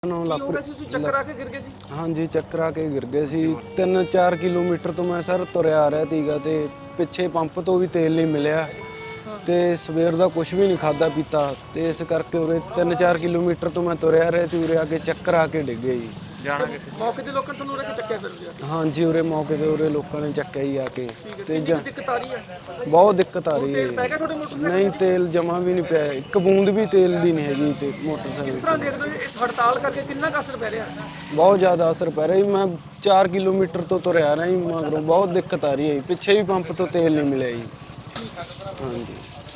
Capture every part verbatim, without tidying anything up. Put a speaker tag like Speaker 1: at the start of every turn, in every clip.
Speaker 1: ਨੂੰ
Speaker 2: ਕੀ
Speaker 1: ਲੱਪ
Speaker 2: ਹੋ ਗਿਆ ਸੀ? ਤੁਸੀਂ ਚੱਕਰ ਆ ਕੇ ਗਿਰ ਗਏ ਸੀ?
Speaker 1: ਹਾਂਜੀ ਚੱਕਰ ਆ ਕੇ ਗਿਰ ਗਏ ਸੀ। ਤਿੰਨ ਚਾਰ ਕਿਲੋਮੀਟਰ ਤੋਂ ਮੈਂ ਸਰ ਤੁਰਿਆ ਆ ਰਿਹਾ ਸੀਗਾ ਤੇ ਪਿੱਛੇ ਪੰਪ ਤੋਂ ਵੀ ਤੇਲ ਨਹੀਂ ਮਿਲਿਆ ਤੇ ਸਵੇਰ ਦਾ ਕੁਝ ਵੀ ਨਹੀਂ ਖਾਦਾ ਪੀਤਾ ਤੇ ਇਸ ਕਰਕੇ ਉਰੇ ਤਿੰਨ ਚਾਰ ਕਿਲੋਮੀਟਰ ਤੋਂ ਮੈਂ ਤੁਰਿਆ ਰਿਹਾ ਤੇ ਉਰੇ ਆ ਕੇ ਚੱਕਰ ਆ ਕੇ ਡਿੱਗ ਗਏ ਜੀ।
Speaker 2: ਜਾਣਾ ਕਿੱਥੇ? ਮੌਕੇ ਤੇ ਲੋਕਾਂ ਨੇ ਤੁਹਾਨੂੰ ਉਰੇ ਕੇ ਚੱਕਿਆ ਫਿਰ ਲਿਆ?
Speaker 1: ਹਾਂਜੀ ਉਰੇ ਮੌਕੇ ਤੇ ਉਰੇ ਲੋਕਾਂ ਨੇ ਚੱਕਿਆ ਹੀ ਆ ਕੇ ਤੇ
Speaker 2: ਕਿੰਨੀ ਕੁ ਦਿੱਕਤ ਆ ਰਹੀ ਹੈ?
Speaker 1: ਬਹੁਤ ਦਿੱਕਤ ਆ ਰਹੀ
Speaker 2: ਤੇਲ ਪੈ
Speaker 1: ਹੈ।
Speaker 2: ਗਿਆ ਤੁਹਾਡੇ ਮੋਟਰਸਾਈਕਲ?
Speaker 1: ਨਹੀਂ ਤੇਲ ਜਮਾ ਵੀ ਨਹੀਂ ਪਿਆ, ਇੱਕ ਬੂੰਦ ਵੀ ਤੇਲ ਦੀ ਨਹੀਂ ਹੈਗੀ ਤੇ
Speaker 2: ਕਿਸ
Speaker 1: ਮੋਟਰਸਾਈਕਲ
Speaker 2: ਤਰ੍ਹਾਂ ਦੇਖਦੇ ਹੋ ਇਸ ਹੜਤਾਲ ਕਰਕੇ ਕਿੰਨਾ ਕੁ ਅਸਰ ਪੈ ਰਿਹਾ?
Speaker 1: ਬਹੁਤ ਜ਼ਿਆਦਾ ਅਸਰ ਪੈ ਰਿਹਾ ਜੀ। ਮੈਂ ਚਾਰ ਕਿਲੋਮੀਟਰ ਤੋਂ ਤੁਰਿਆ ਰਿਹਾ ਜੀ, ਮਗਰੋਂ ਬਹੁਤ ਦਿੱਕਤ ਆ ਰਹੀ ਹੈ ਜੀ। ਪਿੱਛੇ ਵੀ ਪੰਪ ਤੋਂ ਤੇਲ ਨਹੀਂ ਮਿਲਿਆ ਜੀ। ਹਾਂਜੀ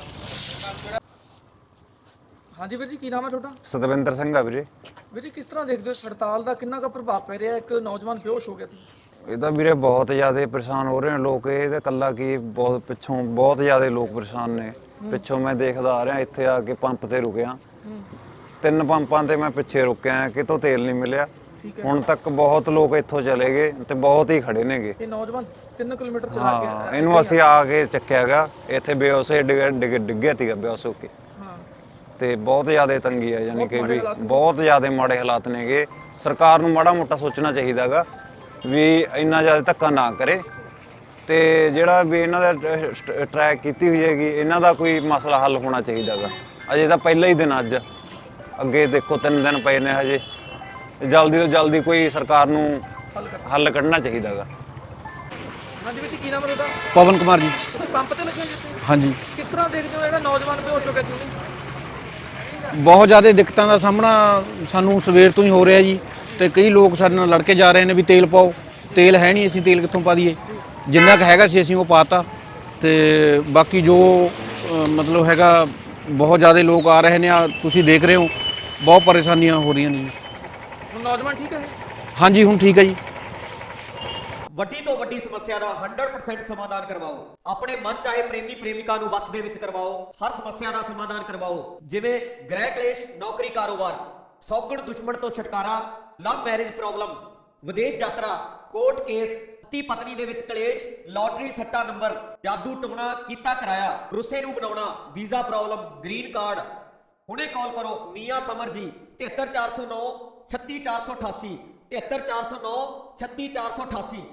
Speaker 2: ਹਾਂਜੀ ਵੀਰ ਜੀ, ਕੀ ਨਾਮ ਹੈ ਤੁਹਾਡਾ?
Speaker 3: ਸਤਵਿੰਦਰ ਸਿੰਘ ਆ ਵੀਰੇ।
Speaker 2: ਵੀਰ ਜੀ ਕਿਸ ਤਰ੍ਹਾਂ ਦੇਖਦੇ ਹੋ ਇਸ ਹੜਤਾਲ ਦਾ ਕਿੰਨਾ ਕੁ ਪ੍ਰਭਾਵ ਪੈ ਰਿਹਾ? ਇੱਕ ਨੌਜਵਾਨ ਬੇਹੋਸ਼ ਹੋ ਗਿਆ ਸੀ।
Speaker 3: ਇਹ ਤਾਂ ਵੀਰੇ ਬਹੁਤ ਜ਼ਿਆਦਾ ਪਰੇਸ਼ਾਨ ਹੋ ਰਹੇ ਨੇ ਲੋਕ। ਇਹ ਤਾਂ ਇਕੱਲਾ ਕੀ ਬਹੁਤ ਪਿੱਛੋਂ ਬਹੁਤ ਜ਼ਿਆਦਾ ਲੋਕ ਪਰੇਸ਼ਾਨ ਨੇ। ਪਿੱਛੋਂ ਮੈਂ ਦੇਖਦਾ ਆ ਰਿਹਾ, ਇੱਥੇ ਆ ਕੇ ਪੰਪ ਤੇ ਰੁਕਿਆ, ਤਿੰਨ ਪੰਪਾਂ ਤੇ ਮੈਂ ਪਿੱਛੇ ਰੁਕਿਆ, ਕਿਤੋਂ ਤੇਲ ਨਹੀਂ ਮਿਲਿਆ। ਹੁਣ ਤੱਕ ਬਹੁਤ ਲੋਕ ਇੱਥੋਂ ਚਲੇ ਗਏ ਤੇ ਬਹੁਤ ਹੀ ਖੜੇ ਨੇਗੇ।
Speaker 2: ਇਹ ਨੌਜਵਾਨ ਤਿੰਨ ਕਿਲੋਮੀਟਰ ਚਲਾ ਕੇ
Speaker 3: ਹਾਂ ਇਹਨੂੰ ਅਸੀਂ ਆ ਕੇ ਚੱਕਿਆਗਾ, ਇੱਥੇ ਬੇਹੋਸ਼ ਡਿੱਗ ਡਿੱਗ ਡਿੱਗਿਆ ਸੀਗਾ ਬੇਹੋਸ਼ ਹੋ ਕੇ। ਤੇ ਬਹੁਤ ਜ਼ਿਆਦਾ ਤੰਗੀ ਆ, ਯਾਨੀ ਕਿ ਵੀ ਬਹੁਤ ਜ਼ਿਆਦਾ ਮਾੜੇ ਹਾਲਾਤ ਨੇਗੇ। ਸਰਕਾਰ ਨੂੰ ਮਾੜਾ ਮੋਟਾ ਸੋਚਣਾ ਚਾਹੀਦਾਗਾ ਵੀ ਇੰਨਾ ਜ਼ਿਆਦਾ ਧੱਕਾ ਨਾ ਕਰੇ ਤੇ ਜਿਹੜਾ ਵੀ ਇਹਨਾਂ ਦਾ ਟਰੈਕ ਕੀਤੀ ਹੋਈ ਹੈਗੀ ਇਹਨਾਂ ਦਾ ਕੋਈ ਮਸਲਾ ਹੱਲ ਹੋਣਾ ਚਾਹੀਦਾਗਾ। ਅਜੇ ਤਾਂ ਪਹਿਲਾ ਹੀ ਦਿਨ, ਅੱਜ ਅੱਗੇ ਦੇਖੋ ਤਿੰਨ ਦਿਨ ਪਏ ਨੇ ਹਜੇ। ਜਲਦੀ ਤੋਂ ਜਲਦੀ ਕੋਈ ਸਰਕਾਰ ਨੂੰ ਹੱਲ ਕੱਢਣਾ ਚਾਹੀਦਾਗਾ।
Speaker 2: ਹਾਂਜੀ ਵੀਰ ਜੀ, ਕੀ ਨਾਮ ਹੈ ਤੁਹਾਡਾ?
Speaker 4: ਪਵਨ ਕੁਮਾਰ ਜੀ।
Speaker 2: ਤੁਸੀਂ ਪੰਪ ਤੇ ਲੱਗੇ ਹੋ ਜਿੱਥੇ?
Speaker 4: ਹਾਂਜੀ,
Speaker 2: ਕਿਸ ਤਰ੍ਹਾਂ ਦੇਖਦੇ ਹੋ ਜਿਹੜਾ ਨੌਜਵਾਨ ਬੇਹੋਸ਼ ਹੋ ਗਿਆ ਸੀ?
Speaker 4: ਬਹੁਤ ਜ਼ਿਆਦਾ ਦਿੱਕਤਾਂ ਦਾ ਸਾਹਮਣਾ ਸਾਨੂੰ ਸਵੇਰ ਤੋਂ ਹੀ ਹੋ ਰਿਹਾ ਜੀ। ਤੇ ਕਈ ਲੋਕ ਸਾਡੇ ਨਾਲ ਲੜ ਕੇ ਜਾ ਰਹੇ ਨੇ ਵੀ ਤੇਲ ਪਾਓ। ਤੇਲ ਹੈ ਨਹੀਂ, ਅਸੀਂ ਤੇਲ ਕਿੱਥੋਂ ਪਾ ਦਈਏ? ਜਿੰਨਾ ਕੁ ਹੈਗਾ ਸੀ ਅਸੀਂ ਉਹ ਪਾਤਾ ਤੇ ਬਾਕੀ ਜੋ ਅ, ਮਤਲਬ ਹੈਗਾ ਬਹੁਤ ਜ਼ਿਆਦਾ ਲੋਕ ਆ ਰਹੇ ਨੇ। ਆ ਤੁਸੀਂ ਦੇਖ ਰਹੇ ਹੋ ਬਹੁਤ ਪਰੇਸ਼ਾਨੀਆਂ ਹੋ ਰਹੀਆਂ ਨੇ।
Speaker 2: ਹੁਣ ਨੌਜਵਾਨ ਠੀਕ ਹੈ?
Speaker 4: ਹਾਂਜੀ ਹੁਣ ਠੀਕ ਹੈ ਜੀ।
Speaker 5: ਵੱਡੀ ਤੋਂ ਵੱਡੀ ਸਮੱਸਿਆ ਦਾ ਸੌ ਪਰਸੈਂਟ ਸਮਾਧਾਨ ਕਰਵਾਓ। ਆਪਣੇ ਮਨ ਚਾਹੇ ਪ੍ਰੇਮੀ ਪ੍ਰੇਮਿਕਾ ਨੂੰ ਵਸ ਦੇ ਵਿੱਚ ਕਰਵਾਓ। ਹਰ ਸਮੱਸਿਆ ਦਾ ਸਮਾਧਾਨ ਕਰਵਾਓ, ਜਿਵੇਂ ਗ੍ਰਹਿ ਕਲੇਸ਼, ਨੌਕਰੀ, ਕਾਰੋਬਾਰ, ਸੌਗਣ ਦੁਸ਼ਮਣ ਤੋਂ ਛੁਟਕਾਰਾ, ਲਵ ਮੈਰਿਜ ਪ੍ਰੋਬਲਮ, ਵਿਦੇਸ਼ ਯਾਤਰਾ, ਕੋਰਟ ਕੇਸ, ਪਤੀ ਪਤਨੀ ਦੇ ਵਿੱਚ ਕਲੇਸ਼, ਲਾਟਰੀ ਸੱਟਾ ਨੰਬਰ, ਜਾਦੂ ਟੂਣਾ ਕੀਤਾ ਕਰਾਇਆ, ਰੁੱਸੇ ਨੂੰ ਬਣਾਉਣਾ, ਵੀਜ਼ਾ ਪ੍ਰੋਬਲਮ, ਗ੍ਰੀਨ ਕਾਰਡ। ਹੁਣੇ ਕਾਲ ਕਰੋ ਮੀਆਂ ਸਮਰ ਜੀ, ਤਿਹੱਤਰ ਚਾਰ ਸੌ ਨੌ ਛੱਤੀ ਚਾਰ ਸੌ ਅਠਾਸੀ, ਤਿਹੱਤਰ ਚਾਰ ਸੌ ਨੌ ਛੱਤੀ ਚਾਰ ਸੌ ਅਠਾਸੀ।